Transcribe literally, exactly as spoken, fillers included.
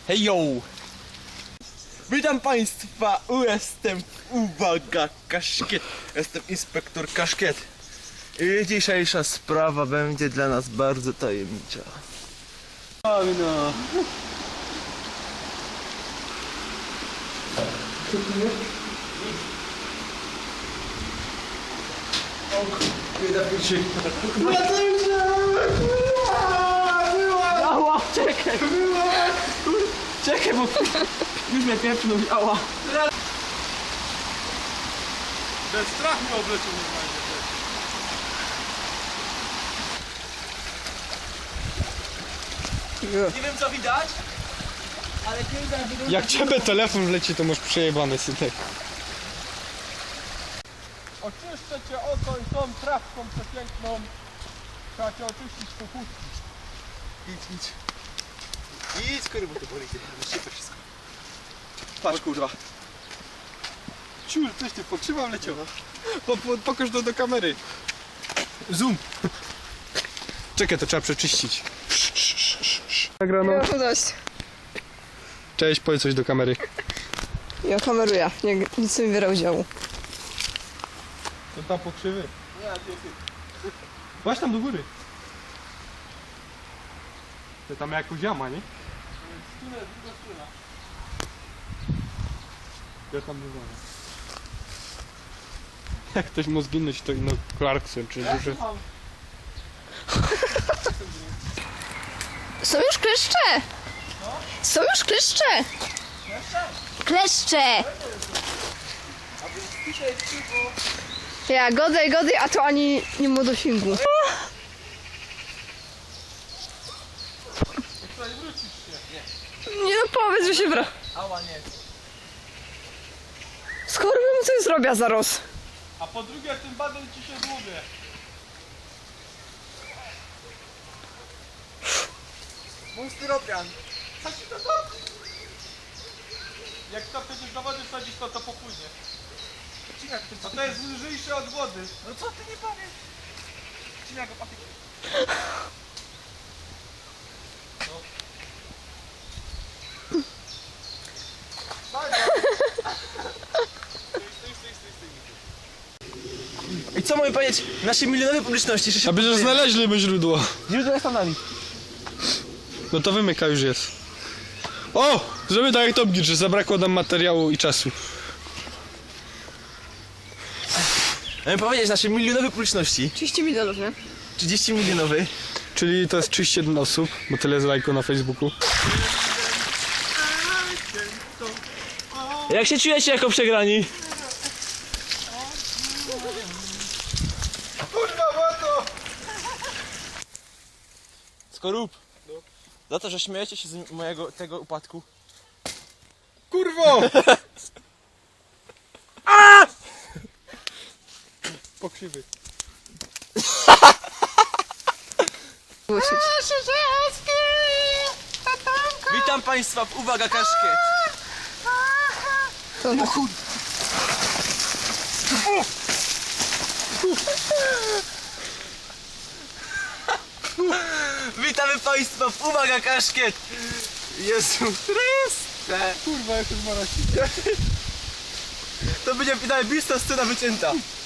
Hej yo! Witam Państwa, jestem, uwaga, Kaszkiet. Jestem inspektor Kaszkiet. I dzisiejsza sprawa będzie dla nas bardzo tajemnicza. O no. Co tu jest? O, nie da się. Ała, czekaj! Czekaj, bo już mnie pieprzną, ała! Ten strach mnie oblecił normalnie. Nie wiem co widać, ale kilka widać. Jak ciebie telefon wleci, to masz przejebane, synek. Oczyszczę cię oko i tą trawką przepiękną. Trzeba cię oczyścić po chustki. Idź, idź. Idź, kurwa, bo to boli, ty to wszystko. Patrz, kurwa. Ciul, coś ty pokrzywa wleciał. Po, po, pokaż to do kamery. Zoom. Czekaj, to trzeba przeczyścić. Nagrano. Ja mam dość. Cześć, powiedz coś do kamery. Ja kameruję, nie, nic nie biorę udziału. To tam pokrzywy. Właśnie tam do góry. To tam jakąś jama, nie? Ja tam bywałem. Jak ktoś ma zginąć, to ino Clarkson, czy duże. Są już kleszcze! Są już kleszcze! Kleszcze! Ja, godaj, godaj, a to ani nie ma dosięgu. Nie no, powiedz, że się bra. Ała, nie. Skoro bym coś zrobiła zaraz. A po drugie, tym badem ci się dłubie. Mój styropian. Jak to przecież do wody wsadzisz, to to popłynie. A to jest lżejsze od wody. No co ty nie powiesz? Cina go patyk. I co mamy powiedzieć naszej milionowej publiczności? Że się A przecież znaleźliby źródło. źródło jest tam nami. No to wymyka już jest. O! Żeby tak jak Top Gear, że zabrakło nam materiału i czasu. Mamy powiedzieć naszej milionowej publiczności. trzydzieści milionów, nie? trzydzieści milionowej. Czyli to jest trzydzieści jeden osób, bo tyle jest lajków na Facebooku. Jak się czujecie jako przegrani? Kurwa, łato! Skorup. Za to, że śmiejecie się z mojego tego upadku. Kurwo! Pokrzywy. Głosić. Witam Państwa w Uwaga Kaszkiet. To tak. Witamy Państwa w Uwaga Kaszkiet. Jezu Chryste. Kurwa, jak to zmaraści. To będzie najbliższa scena wycięta.